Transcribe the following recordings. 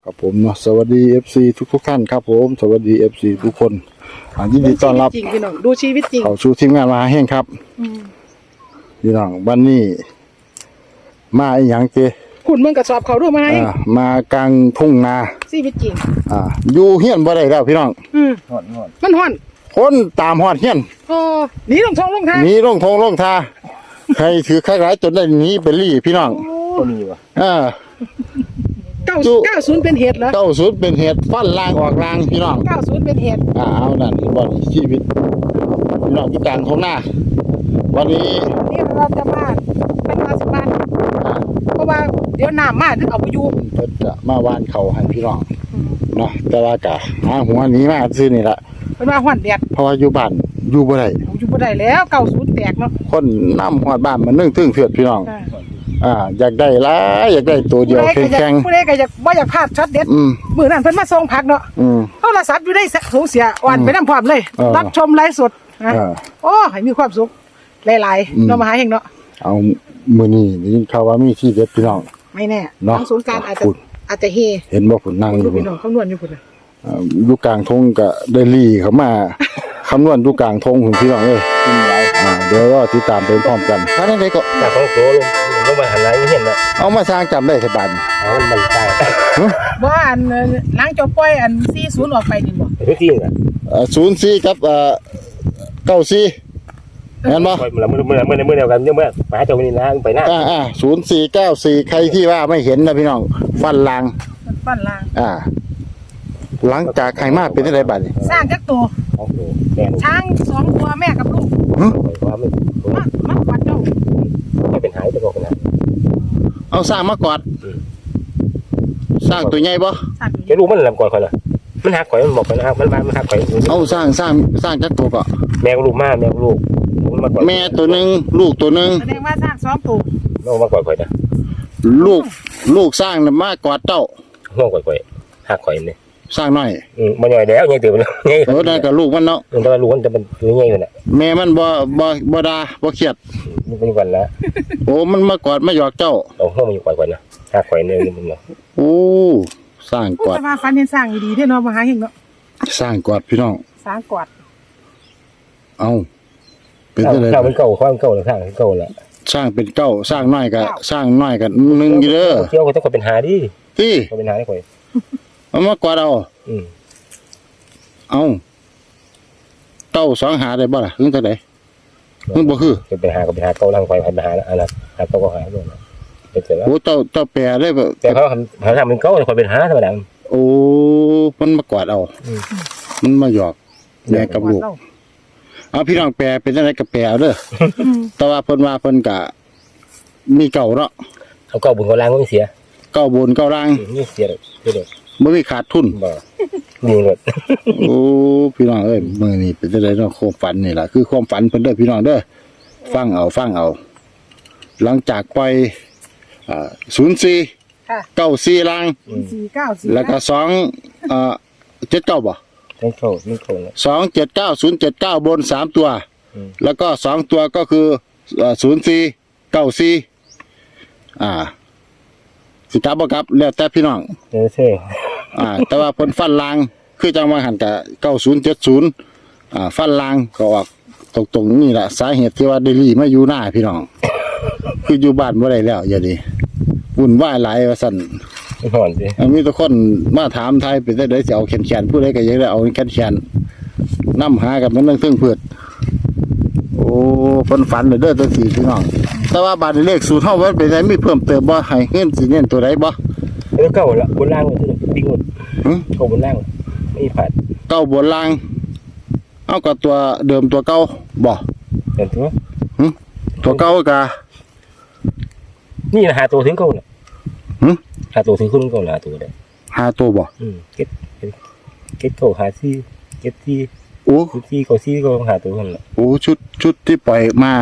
ครับผมเนาะสวัสดี FC ทุกท่านครับผมสวัสดี FC ทุกคนยินดีต้อนรับจริงพี่น้องดูชีวิตจริงเข้าสู่ทีมงานมาแห้งครับพี่น้องวันนี้มาอีหยังเจคุณมึงกระสอบเขาด้วยไหมมากลางทุ่งนาชีวิตจริงอยู่เฮียนบ่ได้แล้วพี่น้องมันห่อนคนตามฮอดเฮียนโอ้หนีลงท้องลงทางหนีลงทงลงทาใครถือใครร้ายจนได้หนีไปลี่พี่น้องก็มีวะ 90เป็นเหตุเหรอ 90เป็นเหตุฟันล่างออกล่างพี่น้อง 90เป็นเหตุเอานั่นบ่นี่ชีวิตพี่น้องอยู่กลางทุ่งนาวันนี้นี่เราจะมาเป็นมาสิบ้านเพราะว่าเดี๋ยวน้ำมาถึงเอาไปอยู่เพิ่นจะมาวานเขาให้พี่น้องเนาะแต่ว่ากะหาหัวหนี้มาซื้อนี่ละเป็นว่าห่อนแดดเพราะว่าอยู่บ้านอยู่บ่ได้อยู่บ่ได้แล้ว90แตกเนาะคนนำฮอดบ้านมันนึ่งถึงเถือดพี่น้องอยากได้หลายอยากได้ตัวเดียวแข็งผู้ใดก็อยากบ่อยากพลาดช็อตเด็ดมื้อนั้นเพิ่นมาส่งผักเนาะโทรศัพท์อยู่ได้สูงเสียอ่อนไปน้ำพร้อมเลยรับชมไลฟ์สดนะโอ้ให้มีความสุขหลายๆเนาะมาหาเฮงเนาะเอามื้อนี้ได้ยินข่าวว่ามีที่เด็ดพี่น้องไม่แน่ทางศูนย์การอาจจะเฮเห็นบ่พุ่นนั่งอยู่พี่น้องคำนวณอยู่พุ่นน่ะอยู่กลางทงก็ได้ลี่เข้ามาคำนวณอยู่กลางทงพุ่นพี่น้องเอ้ยเดี๋ยวก็ติดตามไปพร้อมกันท่านใดก็แต่ของโตลงมาหันหลังเห็นแล้วเอามาสร้างจำได้สบายมันตายบ่อันล้างจอปล่อยอัน40ออกไปนี่บ่ทุกที่น่ะ 04กับ94เห็นบ่เมื่อเดียวกันเมื่อไปหาเจ้านี่นะไปหน้า 0494ใครที่ว่าไม่เห็นนะพี่น้องฟันลางหลังจากไข่มาเป็นอะไรบัดนี้สร้างจักตัวช้าง2ตัวแม่กับลูกมาวัดเจ้าไม่เป็นหายจะบอกนะเอาสร้างมากอดสร้างตัวใหญ่บ่จะรู้มันลำก่อนคนละมันหักข่อยมันบอกกันนะครับมันหักข่อยเอาสร้างจักตัวก็แมวลูกแมวลูกแม่ตัวนึงลูกตัวนึงแสดงว่าสร้าง2ตัวน้องมากอดข่อยนะลูกสร้างน่ะมากอดเจ้าน้องกอดข่อยหักข่อยนี่สร้างน้อยมันใหญ่แล้วใหญ่ตื่นแล้วใหญ่นั่นก็ลูกมันเนาะแต่ว่าลูกมันจะเป็นตัวใหญ่เลยน่ะแม่มันบ่ด่าบ่เครียดนี่เป็นวันละโอ้มันมากอดมาหยอกเจ้าเอาห้องมันอยู่ก่อนนะหักข่อยเนี่ยมึงเนาะโอ้สร้างกอดแต่ว่าฟันเห็นสร้างดีๆเด้อเนาะมาหาเฮงเนาะสร้างกอดพี่น้องสร้างกอดเอาเป็นจังได๋ถ้ามันเก่าความเก่าแล้วสร้างเก่าแล้วสร้างเป็นเก้าสร้างน้อยก็สร้างน้อยก็นึงอยู่เด้อเที่ยวก็ต้องเป็นหาดิติเป็นหาได้ข่อยเอามากอดเอาเอาเต้า2หาได้บ่ล่ะคือจังได๋มันบ่คือเป็นหาก็เป็นหาเก่าลังไฟไปหาอันนั้นหาเก่าก็หาด้วยเป็นเสร็จแล้วโอ้เจ้าแปรได้บ่แต่เขาทำเป็นเก่าข่อยเป็นหาธรรมดาโอ้มันมากอดเอามันมาหยอกแม่กับลูกเอาพี่น้องแปรเป็นจังได๋ก็แปรเอาเด้อแต่ว่าเพิ่นว่าเพิ่นก็มีเก่าเนาะเอาเก่าบุญเก่าล่างก็เสียเก่าบนเก่าล่างนี่เสียเลยบ่มีขาดทุนบ่มีหมดโอ้พี่น้องเอ้ยมื้อนี้เป็นจังได๋เนาะความฝันนี่ล่ะคือความฝันเพิ่นเด้อพี่น้องเด้อฟังเอาหลังจากปล่อย04 94ล่าง 494 แล้วก็279บ่ไม่เข้า 279 079บน3ตัวแล้วก็2ตัวก็คือ04 94สิกลับบ่กลับแล้วแต่พี่น้องใช่แต่ว่าเพิ่นฟันลางคือจังว่าหันก็9070ฟันลางก็ออกตรงๆนี่ล่ะสาเหตุที่ว่าได้ลีมาอยู่หน้าพี่น้องคืออยู่บ้านบ่ได้แล้วอย่าดิวุ่นวายหลายว่าซั่นห่อนสิมีทุกคนมาถามไทยเป็นได้สิเอาแขนผู้ใดก็อยากได้เอาแขนนำหากับมันนึงซึ่งเพิ่นโอ้เพิ่นฝันเด้อตัว4พี่น้องแต่ว่าบาดเลขสูตรเฮามันเป็นไดมีเพิ่มเติมบ่ให้เงินสิเน้นตัวใดบ่เก่าละบนล่างคือปิ้งหมดเก่าบนล่างไม่ผ่านเก่าบนล่างเอากับตัวเดิมตัวเก่าบ่เห็นตัวเก่ากะนี่หาตัวถึงเก่าน่ะหาตัวถึงขึ้นเก่าหาตัวได้หาตัวบ่เก็ตเก่าหาซี่เก็ตซี่โอ้ซี่เก่าซี่ก็หาตัวนั่นแหละโอ้ชุดที่ปล่อยมา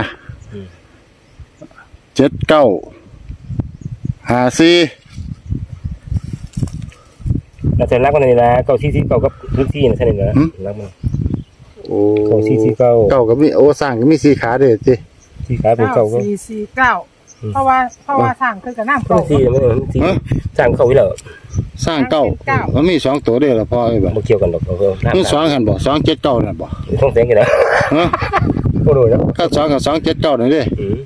79 54 แล้วแต่รักมันนี่นะเก่าซี่เก่ากับซี่นะใช่ไหมนะรักมันโอ้เก่าซี่เก่ากับมีโอ้สร้างก็มี4ขาเด้อสิ 4ขาเป็นเก่าก็ 449 เพราะว่าสร้างคือกับน้ำบางทีมันทีสร้างเขาไว้แล้วสร้างเก้ามันมี2ตัวเด้อละพ่อไอ้บ่บ่เกี่ยวกันดอกเออมัน2กันบ่279นั่นบ่ต้องแสงกันนะฮะบ่รู้แล้วถ้า2กับ279นั่นเด้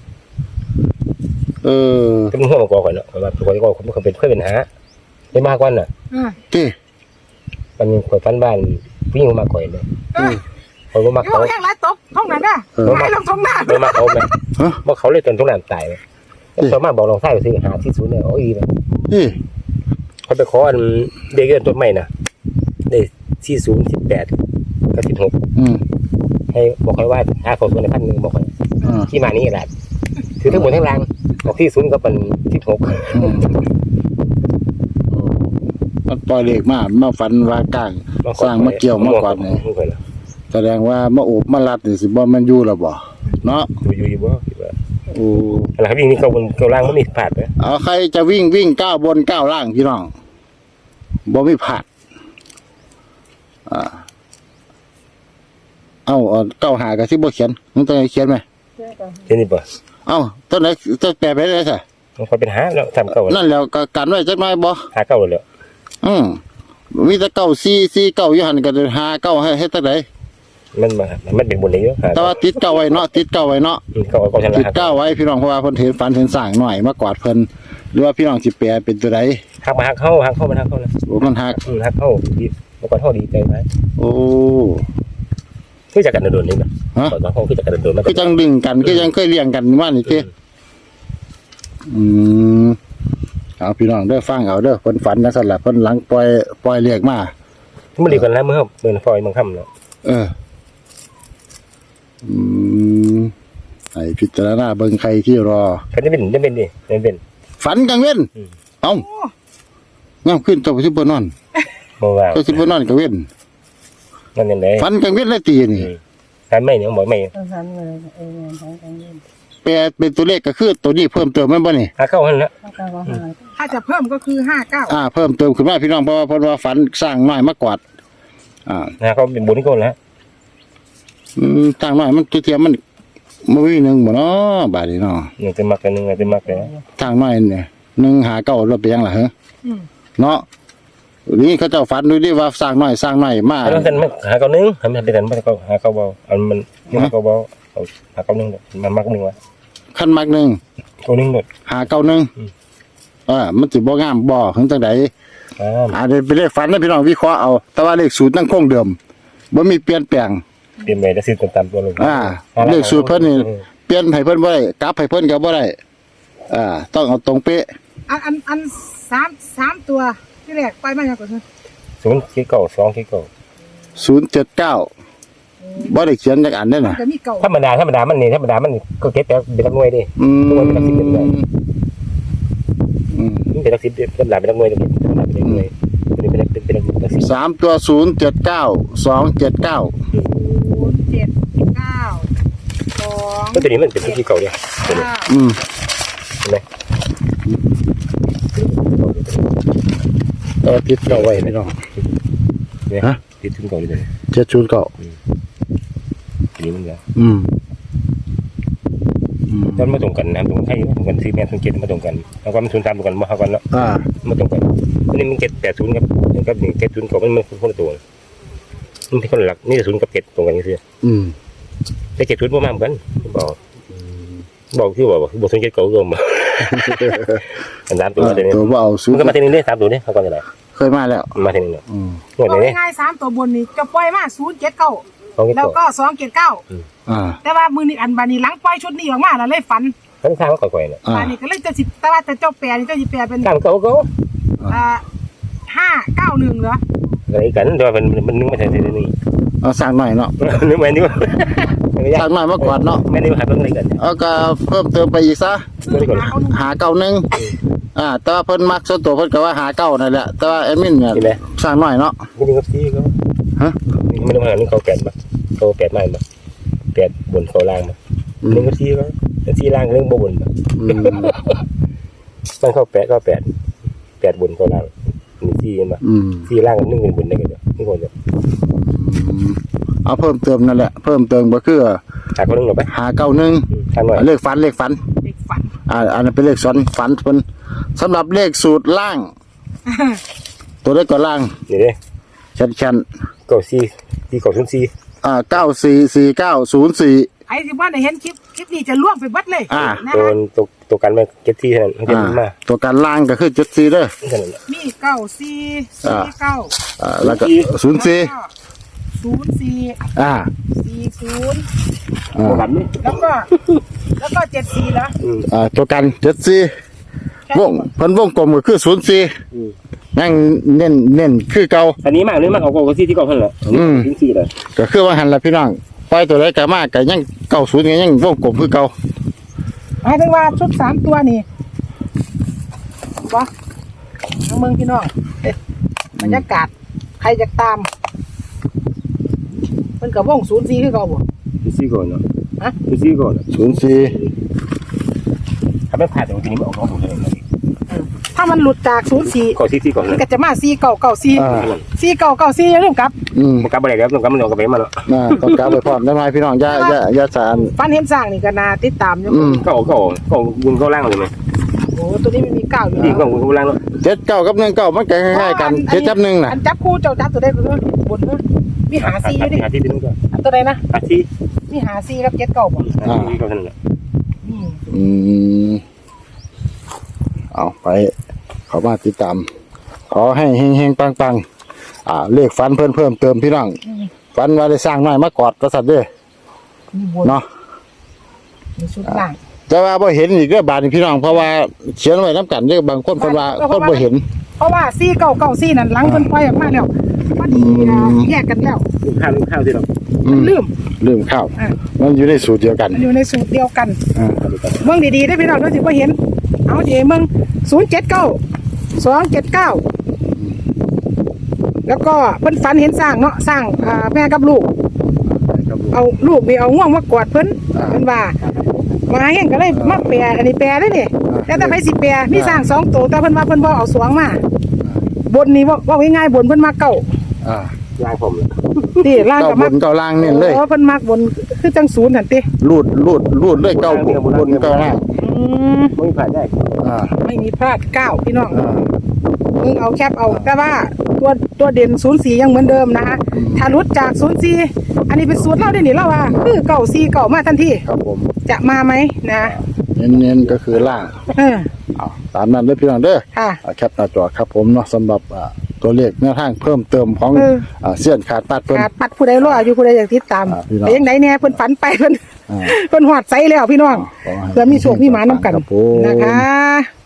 เออก็มันหัวมากอกก่อนเนาะว่าข่อยก็มันเคยเป็นหาได้มากกว่าน่ะติมันข่อยฟันบ้านผู้หญิงมาก่อยเลยข่อยบ่มักอยู่เขาแห้งไรตกท้องนั้นน่ะไหลลงท้องหน้าบ่มักเขาแม่บ่เขาเลยจนตรงนั้นตายแล้วสามารถบอกลองใช้ไปซื้อหาที่ศูนย์เนี่ยเอาอีนะติเขาไปขออันเด็กเกินต้นใหม่น่ะได้40 18กับ16ให้บอกให้ว่าหาเขาส่วนใน1,000บอกให้ที่มานี่แหละคือทั้งหมดทั้งรางบอกที่ศูนย์ก็เป็น16 มันปล่อยเลขมาฝันว่ากลางสร้างมาเกี่ยวมากกว่านี่แสดงว่ามาโอบมาลัดนี่สิบ่มันอยู่แล้วบ่เนาะอยู่บ่คิดว่าโอ้อะไรครับวิ่งนี่เขาล่างบ่มีพลาดเด้อเอาใครจะวิ่งก้าวบนก้าวล่างพี่น้องบ่มีผาดเอาเก้าหาก็สิบ่เขียนมึงต้องให้เขียนไหมเห็นนี่บ่เอาต้นไหนจะแปลไปได้ซะมันค่อยเป็นหาแล้วทำเก่านั่นแล้วก็กันไว้จักหน่อยบ่หาเก่าแล้วมีแต่เก้า4เก้าอยู่หั่นก็หาเก้าให้เฮ็ดจังได๋มันเป็นบนนี้เยอะแต่ว่าติดเก้าไว้เนาะติดเก้าไว้เนาะก็ชนะติดเก้าไว้พี่น้องเพราะว่าเพิ่นเห็นฝันเห็นสร้างหน่อยมากวาดเพิ่นหรือว่าพี่น้องสิแปลเป็นตัวใดหักเข้ามันหักเข้านะโอ้มันหักหักเข้าดีมันก็เท่าดีใจไหมโอ้คือจากกันโดนนี่นะตอนห้องคือจากกันโดนมันคือจังดึงกันคือยังเคยเลี้ยงกันว่านี่ติเอาพี่น้องเด้อฟังเอาเด้อเพิ่นฝันจังซั่นล่ะเพิ่นหลังปล่อยเรียกมามันดีกันแล้วเมื่อฟอยมันค่ำแล้วให้พิจารณาเบิ่งใครที่รอคันได้เป็นดิได้เป็นฝันกลางเว้นเอ้าย่ำขึ้นเจ้าสิบ่นอนบ่ว่าเจ้าสิบ่นอนกลางเว้นนั่นยังไงฝันกลางเว้นแล้วตีนี่การไม่เนี่ยบอกไม่แปลเป็นตัวเลขก็คือตัวนี้เพิ่มเติมแม่นบ่นี่หักเข้าหันแล้วถ้าจะเพิ่มก็คือ59 เพิ่มเติมขึ้นมาพี่น้องเพราะว่าเพิ่นว่าฝันสร้างน้อยมากกว่าเขาเป็นบุญก็แล้วสร้างน้อยมันเทียมมันบ่มีหนึงบ่เนาะบาดนี้เนาะเนี่ยจะมักกันนึงจะมักเลยสร้างน้อยเนี่ย1หา9แล้วไปยังล่ะฮะเนาะนี่เขาเจ้าฝันดูดิว่าสร้างน้อยมาแล้วกันหาเก่านึงทำเป็นกันมันก็หาเก่าเบาอันมันหาเก่าเบาหาเก่านึงมันมักนึงวะคันมักหนึงเก่านึงหมดหา9นึงมันสิบ่งามบ่ถึงจังได๋เดี๋ยวไปเลขฝันนะพี่น้องวิเคราะห์เอาแต่ว่าเลขสูตรนั่งคงเดิมบ่มีเปลี่ยนแปลงเปลี่ยนไปได้ซื้อตามตัวลงเลขสูตรเพิ่นนี่เปลี่ยนให้เพิ่นบ่ได้กลับให้เพิ่นก็บ่ได้ต้องเอาตรงเป๊ะอัน3ตัวที่แรกไปมาอย่างก่อน 0คิดเก่า2คิดเก่า 079บ่ได้เขียนจักอันเด้น่ะจะมีเก่าธรรมดามันนี่ก็เก็บแต่เป็นหน่วยดิมันเป็น10เป็นหน่วยเป็น10เป็นหลายเป็นหน่วยดิเป็นหน่วยเป็น 3ตัว079 279 079 ก็ตัวนี้มันเป็นที่เก่าเนี่ย 2 เห็นไหมติดเก่าไว้พี่น้องเนี่ยติดถึงเก่าเลย 709 นี่มันแล้วอืมตอนมาตรงกันนะตรงไทยตรงกันซีเมนต์07มาตรงกันแล้วก็มัน03ตรงกันมาเฮากันเนาะมาตรงกันอันนี้มัน780ครับนี่70ก็มันคนละตัวมันเป็นคนหลักนี่0กับ7ตรงกันซื่อแต่70บ่มาเหมือนกันบอกคือบอก0 7เก่ารวมมาอัน3ตัวเดี๋ยวนี้ตัวบ่เอาสูมันก็มาทีนึงเด้3ตัวเด้เฮากันได้เคยมาแล้วมาทีนึงเนาะงวดเอานี้ง่ายๆ3ตัวบนนี่จะปล่อยมา079แล้วก็279แต่ว่ามือนี่อันบานี้หลังปล่อยชุดนี้ออกมาแล้วเลยฝันทั้งทางก็ก่อยๆน่ะบานี้ก็เลยจะสิแต่ว่าแต่เจ้าแปรนี่เจ้าสิแปรเป็นตามเก่า 591เหรออะไรกันแต่ว่ามันนึงมาใส่นี่สร้างหน่อยเนาะนึกแม่นอยู่สร้างหน่อยมากกว่าเนาะแม่นอยู่หาเบิ่งอะไรกันเอาก็เพิ่มเติมไปอีกซะ หาเก้านึงแต่ว่าเพิ่นมักส่วนตัวเพิ่นก็ว่าหาเก้านั่นแหละแต่ว่าแอดมินเนี่ยสร้างหน่อยเนาะนี่นึงกับซีก็ไม่ต้องหานึงเขา8บ่เขา8มาบ่8บนเขาล่างบ่นึงกับซีก็ซีล่างนึงบ่บนบ่มันเข้า8ก็8บนเขาล่างนี่ซีเห็นบ่ซีล่างนึงเป็นบนได้ก็นี่คนเดียวเอาเพิ่มเติมนั่นแหละเพิ่มเติมก็คือหาคนนึงหรอไปหาเก้านึงทางหน่อยเลขฝันเด็กฝันอันนั้นเป็นเลขฝันเพิ่นสำหรับเลขสูตรล่าง ตัวเลขก็ล่างนี่เด้ชันเก้าสี่ที่เก้าศูนย์สี่ 944904 ไอ้ที่ว่าได้เห็นคลิปนี้จะล่วงไปเบัดเลยนะตัวกันมาเก็ตที่เท่านั้นเก็ตมาตัวการล่างก็คือ74เด้อเท่านั้นมี9449 แล้วก็04 04 อ่า 40 ตัวกันนี่แล้วก็74แล้วตัวกัน74วงเพิ่นวงกลมก็คือ04ยังเน้นคือเก่าอันนี้มากเลยมากเอาเก้าสี่ที่เก้าเท่านั้นแหละศูนย์สี่เลยก็คือว่าหันละพี่น้องปล่อยตัวใดก็มากก็ยัง90ก็ยังวงกลมคือเก่าหมายถึงว่าชุด3ตัวนี่บ่น้องเมืองพี่น้องบรรยากาศใครจะตามเพิ่นก็วง04คือเก่าบ่ศูนย์สี่ก่อนเนาะฮะศูนย์สี่ก่อน 04 ถ้าไม่ผ่านตรงนี้มันออกน้องผมเลยถ้ามันหลุดจาก04 เก้าสี่ก่อนมันเลยก็จะมา4994 4994อย่าลืมกลับมันกลับไปไหนแล้วมันกลับมันออกกับไปมาแล้วต้องกลับไปพร้อมได้ไหมพี่น้องอย่าสารฟันเห็นสร้างนี่ก็น่าติดตามอยู่ก็ออกบุญเข้าล่างเลยไหมโอ้ตัวนี้มันมี9อยู่ดีแล้วก็บุญเข้าล่างแล้ว 79กับ19มันก็คล้ายๆกัน7จับ1น่ะอันจับคู่เจ้าจับตัวได้คือบนเด้อมีหา4อยู่ดิหาที่เป็นก็อันตัวใดนะหาที่มีหา4กับ7 9บ่หาที่ก็เท่านั้นแหละอืมอืมเอาไปเขามาติดตามขอให้เฮงๆปังๆเลขฝันเพิ่มเติมพี่น้องฝันว่าได้สร้างน้อยมากอดกษัตริย์เด้อมีบนเนาะมีชุดล่างแต่ว่าบ่เห็นอีกเด้อบาดนี้พี่น้องเพราะว่าเขียนไว้นํกันเด้อบางคนเพิ่นว่าคนบ่เห็นเพราะว่า4994นั่นหลังเพิ่นปล่อยออกมาแล้วพอดีแยกกันแล้วข้าวที่เราลืมข้าวอ่ะมันอยู่ในสูตรเดียวกันมันอยู่ในสูตรเดียวกันอ่าเมืองดีๆได้พี่น้องด้วยสิว่าเห็น เอาเดี๋ยวเมือง079 279 แล้วก็เพิ่นฝันเห็นสร้างเนาะสร้างแม่กับลูก เอาลูกนี่เอาง่วงมากอดเพิ่นเพิ่นว่ามาเห็นก็เลยมาแปรอันนี้แปรได้นี่แล้วแต่ไปสิแปรมีสร้าง2ตัวแต่เพิ่นว่าเพิ่นบ่เอาสวงมาบนนี่ว่าง่ายๆบนเพิ่นมาเก่าอ่าล่างผมนี่ล่างเก้าก็บมานเก้าล่างเน้นเลยโอ้เพิ่นมักบนคือจังศูนย์หั่นติรูดเลยเก้าบนเก้าล่างไม่ผ่านได้อ่าไม่มีพลาด9พี่น้องอ่ามึงเอาแคปเอาแต่ว่าตัวเด่น04ยังเหมือนเดิมนะคะถ้าหลุดจาก04อันนี้เป็นสูตรเราได้นี่เราว่าคือ94มาทันทีครับผมจะมาไหมนะเน้นๆก็คือล่างเออเอาตามนั้นเลยพี่น้องเด้อค่ะแคปหน้าจอครับผมเนาะสำหรับตัวเลขแนวทางเพิ่มเติมของเสี้ยนขาดปัดเพิ่นขาดปัดผู้ใดรออยู่ผู้ใดอยากติดตามพี่น้องไปยังไหนเนี่ยเพิ่นฝันไปเพิ่นอ่าเพิ่นหอดใสแล้วพี่น้องขอให้เพื่อมีโชคมีหมานํกันครับผมนะคะ